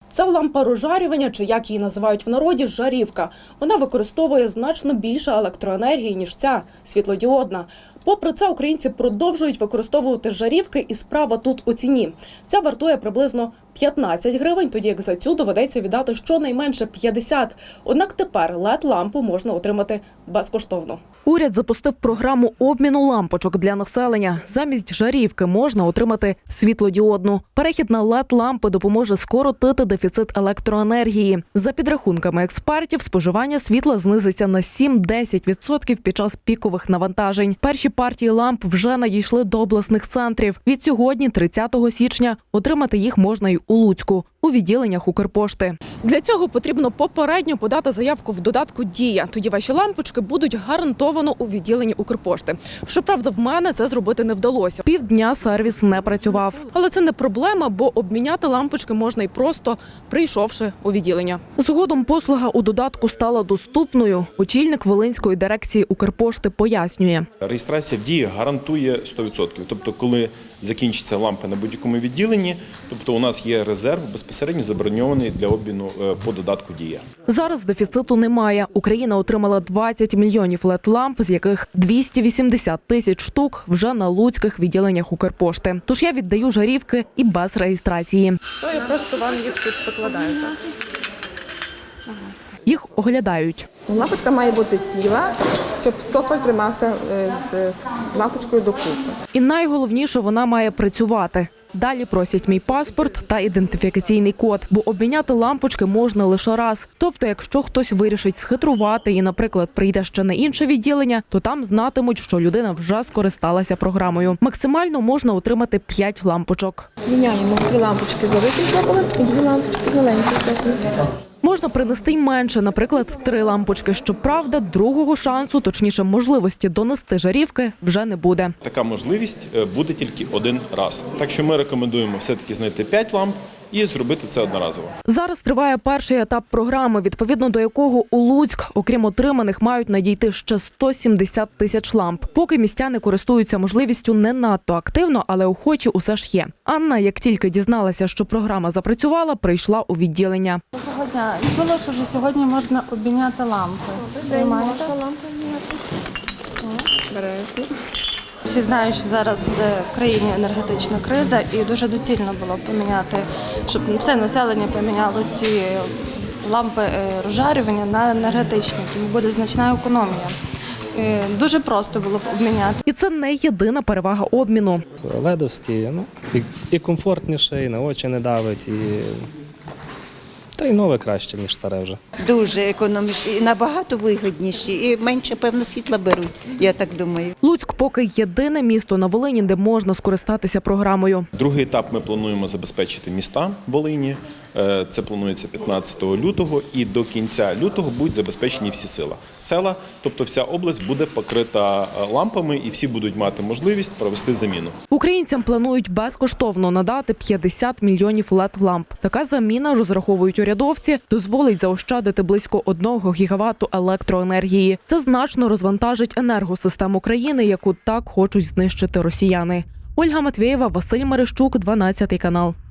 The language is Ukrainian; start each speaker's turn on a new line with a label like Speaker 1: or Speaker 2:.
Speaker 1: Це лампа розжарювання, чи як її називають в народі, жарівка. Вона використовує значно більше електроенергії, ніж ця світлодіодна. Попри це, українці продовжують використовувати жарівки, і справа тут у ціні. Ця вартує приблизно 15 гривень, тоді як за цю доведеться віддати щонайменше 50. Однак тепер LED-лампу можна отримати безкоштовно. Уряд запустив програму обміну лампочок для населення. Замість жарівки можна отримати світлодіодну. Перехід на LED-лампи допоможе скоротити дефіцит електроенергії. За підрахунками експертів, споживання світла знизиться на 7-10% під час пікових навантажень. Перші партії ламп вже надійшли до обласних центрів. Від сьогодні, 30 січня, отримати їх можна й у Луцьку, у відділеннях Укрпошти. Для цього потрібно попередньо подати заявку в додатку «Дія». Тоді ваші лампочки будуть гарантовано у відділенні Укрпошти. Щоправда, в мене це зробити не вдалося. Півдня сервіс не працював. Але це не проблема, бо обміняти лампочки можна й просто прийшовши у відділення. Згодом послуга у додатку стала доступною. Очільник Волинської дирекції Укрпошти пояснює.
Speaker 2: Реєстрація в «Дії» гарантує 100%. Тобто, коли закінчиться лампа на будь-якому відділенні, тобто у нас є резерв безпосередньо заброньований для обміну по додатку «Дія».
Speaker 1: Зараз дефіциту немає. Україна отримала 20 мільйонів LED-ламп, з яких 280 тисяч штук вже на луцьких відділеннях Укрпошти. Тож я віддаю жарівки і без реєстрації.
Speaker 3: Я просто вам їх тут покладаю.
Speaker 1: Їх оглядають.
Speaker 3: Лампочка має бути ціла, щоб цоколь тримався з лампочкою докупи.
Speaker 1: І найголовніше, вона має працювати. Далі просять мій паспорт та ідентифікаційний код, бо обміняти лампочки можна лише раз. Тобто, якщо хтось вирішить схитрувати і, наприклад, прийде ще на інше відділення, то там знатимуть, що людина вже скористалася програмою. Максимально можна отримати 5 лампочок.
Speaker 3: Міняємо 2 лампочки з великим цоколем і 2 лампочки з маленьким цоколем.
Speaker 1: Можна принести й менше, наприклад, 3 лампочки. Щоправда, другого шансу, точніше можливості донести жарівки вже не буде.
Speaker 2: Така можливість буде тільки один раз. Так що ми рекомендуємо все-таки знайти 5 ламп і зробити це одноразово.
Speaker 1: Зараз триває перший етап програми, відповідно до якого у Луцьк, окрім отриманих, мають надійти ще 170 тисяч ламп. Поки містяни користуються можливістю не надто активно, але охочі усе ж є. Анна, як тільки дізналася, що програма запрацювала, прийшла у відділення.
Speaker 4: Доброго дня. Чула, що вже сьогодні можна обміняти лампи. Ви маєте?
Speaker 3: Берете.
Speaker 4: Всі знають, що зараз в країні енергетична криза і дуже доцільно було поміняти, щоб все населення поміняло ці лампи розжарювання на енергетичні, тому буде значна економія. Дуже просто було б обміняти.
Speaker 1: І це не єдина перевага обміну.
Speaker 5: Ледовський, і комфортніше, і на очі не давить, та й нове краще, ніж старе вже.
Speaker 6: Дуже економічні, і набагато вигідніші, і менше, певно, світла беруть, я так думаю.
Speaker 1: Луцьк поки єдине місто на Волині, де можна скористатися програмою.
Speaker 2: Другий етап ми плануємо забезпечити міста Волині. Це планується 15 лютого, і до кінця лютого будуть забезпечені всі села. Тобто вся область буде покрита лампами, і всі будуть мати можливість провести заміну.
Speaker 1: Українцям планують безкоштовно надати 50 мільйонів LED-ламп. Така заміна, розраховують урядовці, дозволить заощадити близько 1 гігавату електроенергії. Це значно розвантажить енергосистему країни, яку так хочуть знищити росіяни. Ольга Матвєєва, Василь Мерещук, 12 канал.